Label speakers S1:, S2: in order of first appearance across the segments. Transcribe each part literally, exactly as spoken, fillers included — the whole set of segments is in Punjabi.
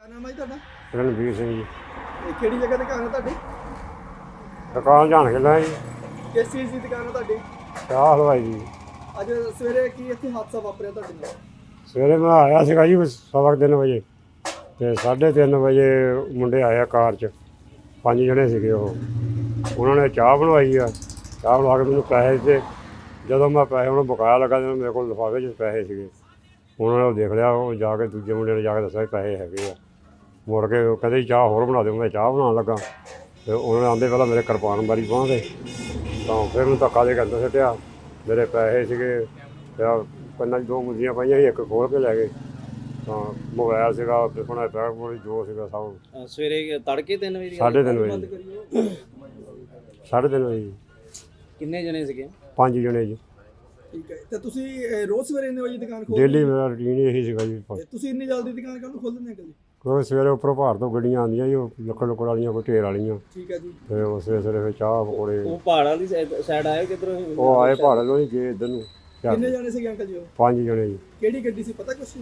S1: क्या नाम है जी ਤੁਹਾਡਾ?
S2: ਰਣਵੀਰ ਸਿੰਘ ਜੀ।
S1: ਇਹ ਕਿਹੜੀ ਜਗ੍ਹਾ ਦੁਕਾਨ ਹੈ ਤੁਹਾਡੀ?
S2: ਦੁਕਾਨ ਜਾਣ ਕੇ ਲੈ ਜੀ,
S1: ਕਿਸ ਚੀਜ਼ ਦੀ ਦੁਕਾਨ ਹੈ ਤੁਹਾਡੀ?
S2: ਚਾਹ ਹਲਵਾਈ ਜੀ।
S1: ਅੱਜ ਸਵੇਰੇ ਕੀ ਇੱਥੇ ਹਾਦਸਾ ਵਾਪਰਿਆ ਤੁਹਾਡੇ ਨਾਲ?
S2: ਸਵੇਰੇ ਮੈਂ ਆਇਆ ਸੀਗਾ ਜੀ ਸਵਾ ਕੁ ਤਿੰਨ ਵਜੇ, ਅਤੇ ਸਾਢੇ ਤਿੰਨ ਵਜੇ ਮੁੰਡੇ ਆਏ ਆ ਕਾਰ 'ਚ, ਪੰਜ ਜਣੇ ਸੀਗੇ ਉਹ। ਉਹਨਾਂ ਨੇ ਚਾਹ ਬਣਵਾਈ ਆ, ਚਾਹ ਬਣਾ ਕੇ ਮੈਨੂੰ ਪੈਸੇ ਦਿੱਤੇ। ਜਦੋਂ ਮੈਂ ਪੈਸੇ ਉਹਨੂੰ ਬਕਾਇਆ ਲੱਗਾ ਜਦੋਂ ਮੇਰੇ ਕੋਲ ਲਿਫਾਫੇ 'ਚ ਪੈਸੇ ਸੀਗੇ, ਉਹਨਾਂ ਨੇ ਉਹ ਦੇਖ ਲਿਆ। ਉਹ ਜਾ ਕੇ ਦੂਜੇ ਮੁੰਡੇ ਨੇ ਜਾ ਕੇ ਦੱਸਿਆ ਵੀ ਪੈਸੇ ਹੈਗੇ ਆ। ਮੁੜ ਕੇ ਉਹ ਕਹਿੰਦੇ ਚਾਹ ਹੋਰ ਬਣਾ ਦਿਓ। ਮੈਂ ਚਾਹ ਬਣਾਉਣ ਲੱਗਾ ਅਤੇ ਉਹਨਾਂ ਨੇ ਆਉਂਦੇ ਪਹਿਲਾਂ ਮੇਰੇ ਕਿਰਪਾਨ ਮਾਰੀ ਬਾਂਹ 'ਤੇ, ਤਾਂ ਫਿਰ ਮੈਨੂੰ ਧੱਕਾ ਦੇ ਕੇ ਅੰਦਰ ਸੁੱਟਿਆ। ਮੇਰੇ ਪੈਸੇ ਸੀਗੇ, ਕੰਨਾਂ 'ਚ ਦੋ ਮੁੰਦੀਆਂ ਪਾਈਆਂ ਸੀ, ਇੱਕ ਖੋਲ੍ਹ ਕੇ ਲੈ ਗਏ। ਤਾਂ ਮੋਬਾਇਲ ਸੀਗਾ, ਆਪਣਾ ਬੈਗ ਬੋਲੀ ਜੋ ਸੀਗਾ ਸਭ।
S3: ਸਵੇਰੇ ਤੜਕੇ ਤਿੰਨ ਵਜੇ?
S2: ਸਾਢੇ ਤਿੰਨ ਵਜੇ। ਸਾਢੇ ਤਿੰਨ ਵਜੇ।
S3: ਕਿੰਨੇ ਜਣੇ ਸੀਗੇ?
S2: ਪੰਜ ਜਣੇ ਜੀ।
S1: ਠੀਕ ਹੈ, ਤੇ ਤੁਸੀਂ ਇਹ ਰੋਜ਼ ਸਵੇਰੇ ਇੰਨੇ ਵਜੇ ਦੁਕਾਨ ਖੋਲ੍ਹਦੇ?
S2: ਡੇਲੀ ਮੇਰਾ ਰੂਟੀਨ ਇਹੀ ਸੀਗਾ ਜੀ।
S1: ਤੇ ਤੁਸੀਂ ਇੰਨੀ ਜਲਦੀ ਦੁਕਾਨ ਕਾਹਨੂੰ ਖੋਲ੍ਹ ਦਿੰਦੇ ਅੰਕਲ ਜੀ?
S2: ਕਿਉਂਕਿ ਸਵੇਰੇ ਉੱਪਰੋਂ ਭਾਰ ਤੋਂ ਗੱਡੀਆਂ ਆਉਂਦੀਆਂ ਜੀ, ਉਹ ਲੱਕੜ ਲੁੱਕੜ ਵਾਲੀਆਂ, ਕੋਈ ਢੇਰ ਵਾਲੀਆਂ।
S1: ਠੀਕ ਹੈ ਜੀ।
S2: ਅਤੇ ਉਸ ਸਵੇਰੇ ਸਵੇਰੇ ਫਿਰ ਚਾਹ ਪਕੌੜੇ।
S3: ਉਹ ਪਹਾੜ ਵਾਲੀ ਸਾਈਡ ਆਏ ਕਿੱਧਰੋਂ?
S2: ਉਹ ਆਏ ਪਹਾੜ ਵੱਲੋਂ ਹੀ ਗਏ ਇੱਧਰ ਨੂੰ।
S1: ਕਿੰਨੇ ਜਣੇ ਸੀਗੇ ਅੰਕਲ ਜੀ ਉਹ?
S2: ਪੰਜ ਜਣੇ ਜੀ।
S1: ਕਿਹੜੀ ਗੱਡੀ ਸੀ ਪਤਾ ਕੁਛ?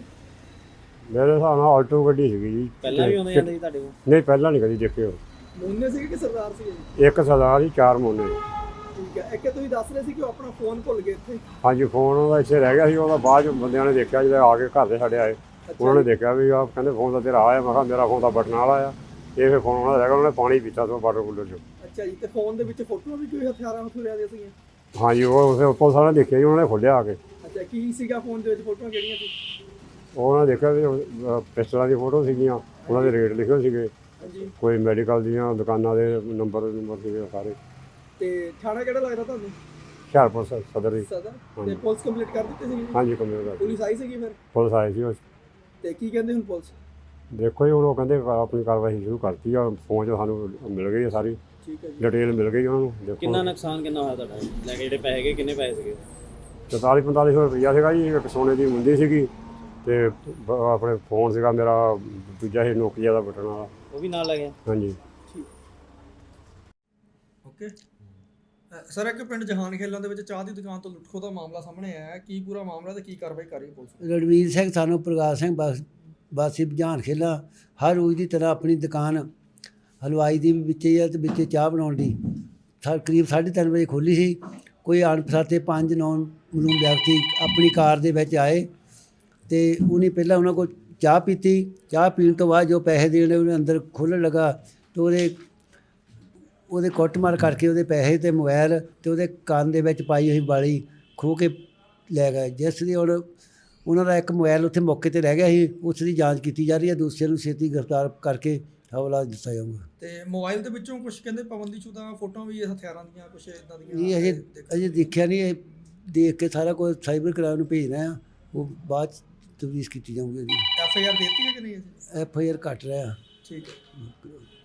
S2: ਮੇਰੇ ਹਿਸਾਬ ਨਾਲ ਆਲਟੋ ਗੱਡੀ ਸੀਗੀ ਜੀ।
S3: ਪਹਿਲਾਂ ਵੀ ਆਉਂਦੇ ਜਾਂਦੇ ਸੀ ਤੁਹਾਡੇ ਕੋਲ?
S2: ਨਹੀਂ, ਪਹਿਲਾਂ ਨਹੀਂ ਕਦੀ ਦੇਖੇ ਉਹ।
S1: ਮੋਨੇ ਸੀਗੇ ਕਿ ਸਰਦਾਰ ਸੀਗੇ ਜੀ?
S2: ਇੱਕ ਸਰਦਾਰ ਜੀ, ਚਾਰ ਮੋਨੇ।
S1: ਠੀਕ ਹੈ, ਇੱਕ ਤੁਸੀਂ ਦੱਸ ਰਹੇ ਸੀ ਕਿ ਉਹ ਆਪਣਾ ਫੋਨ ਭੁੱਲ ਗਏ ਇੱਥੇ।
S2: ਹਾਂਜੀ, ਫੋਨ ਉਹਦਾ ਇੱਥੇ ਰਹਿ ਗਿਆ ਸੀ। ਉਹਦਾ ਬਾਅਦ 'ਚ ਬੰਦਿਆਂ ਨੇ ਦੇਖਿਆ, ਜਦੋਂ ਆ ਕੇ ਘਰ ਦੇ ਸਾਡੇ ਆਏ, ਉਹਨਾਂ ਨੇ ਦੇਖਿਆ ਵੀ ਆਹ ਕਹਿੰਦੇ ਫੋਨ ਤਾਂ ਤੇਰਾ ਆਇਆ। ਮੈਂ ਕਿਹਾ ਮੇਰਾ ਫੋਨ ਤਾਂ ਬਟਨ ਵਾਲਾ ਆ। ਇਹ ਫਿਰ ਫੋਨ ਉਹਨਾਂ ਦਾ ਰਹਿ ਗਿਆ। ਉਹਨਾਂ ਨੇ ਪਾਣੀ ਪੀਤਾ ਤੋਂ ਵਾਟਰ ਕੂਲਰ 'ਚੋਂ।
S1: ਅੱਛਾ ਜੀ, ਤੇ ਫੋਨ ਦੇ ਵਿੱਚ ਫੋਟੋਆਂ ਵੀ ਕੋਈ ਹਥਿਆਰਾਂ ਹਥਿਆਰਾਂ ਦੀਆਂ ਸੀਗੀਆਂ?
S2: ਹਾਂਜੀ, ਉਹ ਫਿਰ ਪੁਲਿਸ ਵਾਲਿਆਂ ਨੇ ਦੇਖਿਆ ਜੀ, ਉਹਨਾਂ ਨੇ ਖੋਲ੍ਹਿਆ ਆ ਕੇ।
S1: ਅੱਛਾ, ਕੀ ਸੀਗਾ ਫੋਨ ਦੇ ਵਿੱਚ? ਫੋਟੋਆਂ ਕਿਹੜੀਆਂ ਸੀ?
S2: ਉਹਨਾਂ ਨੇ ਦੇਖਿਆ ਵੀ ਅਹ, ਪਿਸਟਲਾਂ ਦੀਆਂ ਫੋਟੋ ਸੀਗੀਆਂ, ਉਹਨਾਂ ਦੇ ਰੇਟ ਲਿਖੇ ਸੀਗੇ,
S1: ਹਾਂਜੀ।
S2: ਕੋਈ ਮੈਡੀਕਲ ਦੀਆਂ ਦੁਕਾਨਾਂ ਦੇ ਨੰਬਰ ਨੰਬਰ ਸੀਗੇ ਸਾਰੇ।
S1: ਤੇ ਥਾਣਾ ਕਿਹੜਾ ਲੱਗਦਾ ਤੁਹਾਨੂੰ?
S2: ਹੁਸ਼ਿਆਰਪੁਰ ਸ- ਸਦਰ ਜੀ।
S1: ਸਦਰ।
S2: ਹਾਂਜੀ।
S1: ਤੇ ਪੁਲਿਸ ਕੰਪਲੀਟ ਕਰ ਦਿੱਤੀ ਸੀਗੀ?
S2: ਹਾਂਜੀ, ਕੰਪਲੀਟ ਕਰ
S1: ਪੁਲਿਸ ਆਈ ਸੀਗੀ ਫਿਰ?
S2: ਪੁਲਿਸ ਆਈ ਸੀ। ਉਹ
S1: ਤੇ ਕੀ ਕਹਿੰਦੇ ਹੁਣ ਪੁਲਿਸ?
S2: ਦੇਖੋ ਜੀ, ਹੁਣ ਉਹ ਕਹਿੰਦੇ ਆਪਣੀ ਕਾਰਵਾਈ ਸ਼ੁਰੂ ਕਰਤੀ ਆ। ਫੋਨ 'ਚ ਸਾਨੂੰ ਮਿਲ ਗਈ ਆ ਸਾਰੀ
S1: ਠੀਕ ਹੈ ਜੀ।
S2: ਡਿਟੇਲ ਮਿਲ ਗਈ ਉਹਨਾਂ ਨੂੰ। ਦੇਖੋ
S3: ਕਿੰਨਾ ਨੁਕਸਾਨ ਕਿੰਨਾ ਹੋਇਆ ਤੁਹਾਡਾ ਲੈ ਕੇ? ਜਿਹੜੇ ਪੈਸੇ ਗਏ ਕਿੰਨੇ ਪੈਸੇ ਸੀਗੇ?
S2: ਚੁਤਾਲੀ ਪੰਤਾਲੀ ਸੌ ਰੁਪਈਆ ਸੀਗਾ ਜੀ। ਇੱਕ ਸੋਨੇ ਦੀ ਮੁੰਦੀ ਸੀਗੀ, ਅਤੇ ਬ- ਆਪਣੇ ਫੋਨ ਸੀਗਾ ਮੇਰਾ ਦੂਜਾ ਸੀ ਨੋਕੀਆ ਦਾ ਬਟਨ ਵਾਲਾ।
S3: ਉਹ ਵੀ ਨਾਲ ਲੈ ਗਏ?
S2: ਹਾਂਜੀ।
S1: ਓਕੇ ਸਰ, ਇੱਕ ਪਿੰਡ ਜਹਾਨ ਖੇਲਾਂ ਦੇ ਵਿੱਚ ਚਾਹ ਦੀ ਦੁਕਾਨ ਤੋਂ ਲੁੱਟਖੋ ਦਾ ਮਾਮਲਾ ਸਾਹਮਣੇ ਆਇਆ ਹੈ। ਕੀ ਪੂਰਾ ਮਾਮਲਾ ਤੇ ਕੀ ਕਾਰਵਾਈ ਕਰ ਰਹੀ ਹੈ ਪੁਲਿਸ?
S4: ਰਣਵੀਰ ਸਿੰਘ ਸਾਨੂੰ ਪ੍ਰਕਾਸ਼ ਸਿੰਘ ਬਸ ਬਾਸੀ ਜਹਾਨ ਖੇਲਾ ਹਰ ਰੋਜ਼ ਦੀ ਤਰ੍ਹਾਂ ਆਪਣੀ ਦੁਕਾਨ ਹਲਵਾਈ ਦੀ ਵੀ ਵਿੱਚ ਹੀ ਆ ਅਤੇ ਵਿੱਚ ਚਾਹ ਬਣਾਉਣ ਦੀ ਸਾ ਕਰੀਬ ਸਾਢੇ ਤਿੰਨ ਵਜੇ ਖੋਲ੍ਹੀ ਸੀ। ਕੋਈ ਅਣਪਛਾਤੇ ਪੰਜ ਨੌਨ ਮਲੂਮ ਵਿਅਕਤੀ ਆਪਣੀ ਕਾਰ ਦੇ ਵਿੱਚ ਆਏ ਅਤੇ ਉਹਨੇ ਪਹਿਲਾਂ ਉਹਨਾਂ ਕੋਲ ਚਾਹ ਪੀਤੀ। ਚਾਹ ਪੀਣ ਤੋਂ ਬਾਅਦ ਜੋ ਪੈਸੇ ਦੇਣੇ ਉਹਨੇ ਅੰਦਰ ਖੋਲ੍ਹਣ ਲੱਗਾ ਅਤੇ ਉਹਦੇ ਉਹਦੇ ਕੁੱਟਮਾਰ ਕਰਕੇ ਉਹਦੇ ਪੈਸੇ ਅਤੇ ਮੋਬਾਇਲ ਅਤੇ ਉਹਦੇ ਕੰਨ ਦੇ ਵਿੱਚ ਪਾਈ ਹੋਈ ਵਾਲੀ ਖੋਹ ਕੇ ਲੈ ਗਏ, ਜਿਸ ਦੀ ਹੁਣ ਉਹਨਾਂ ਦਾ ਇੱਕ ਮੋਬਾਇਲ ਉੱਥੇ ਮੌਕੇ 'ਤੇ ਰਹਿ ਗਿਆ ਸੀ। ਉਸ ਦੀ ਜਾਂਚ ਕੀਤੀ ਜਾ ਰਹੀ ਹੈ। ਦੂਸਰੇ ਨੂੰ ਛੇਤੀ ਗ੍ਰਿਫਤਾਰ ਕਰਕੇ ਹਵਾਲਾ ਦਿੱਤਾ ਜਾਊਗਾ।
S1: ਤੇ ਮੋਬਾਈਲ ਦੇ ਵਿੱਚੋਂ ਕੁਝ ਕਹਿੰਦੇ ਪਾਬੰਦੀਸ਼ੁਦਾ ਫੋਟੋਆਂ ਵੀ ਹਥਿਆਰਾਂ ਦੀਆਂ ਕੁਝ ਇਦਾਂ ਦੀਆਂ?
S4: ਇਹ ਅਜੇ ਅਜੇ ਦੇਖਿਆ ਨਹੀਂ। ਇਹ ਦੇਖ ਕੇ ਸਾਰਾ ਕੁਝ ਸਾਈਬਰ ਕ੍ਰਾਈਮ ਨੂੰ ਭੇਜਣਾ ਆ, ਉਹ ਬਾਅਦ 'ਚ ਤਫਤੀਸ਼ ਕੀਤੀ ਜਾਊਗੀ।
S1: ਐਫ ਆਈ ਆਰ ਦਿੱਤੀ ਹੈ ਕਿ ਨਹੀਂ?
S4: ਐਫ ਆਈ ਆਰ ਘੱਟ ਰਿਹਾ।
S1: ਠੀਕ ਹੈ।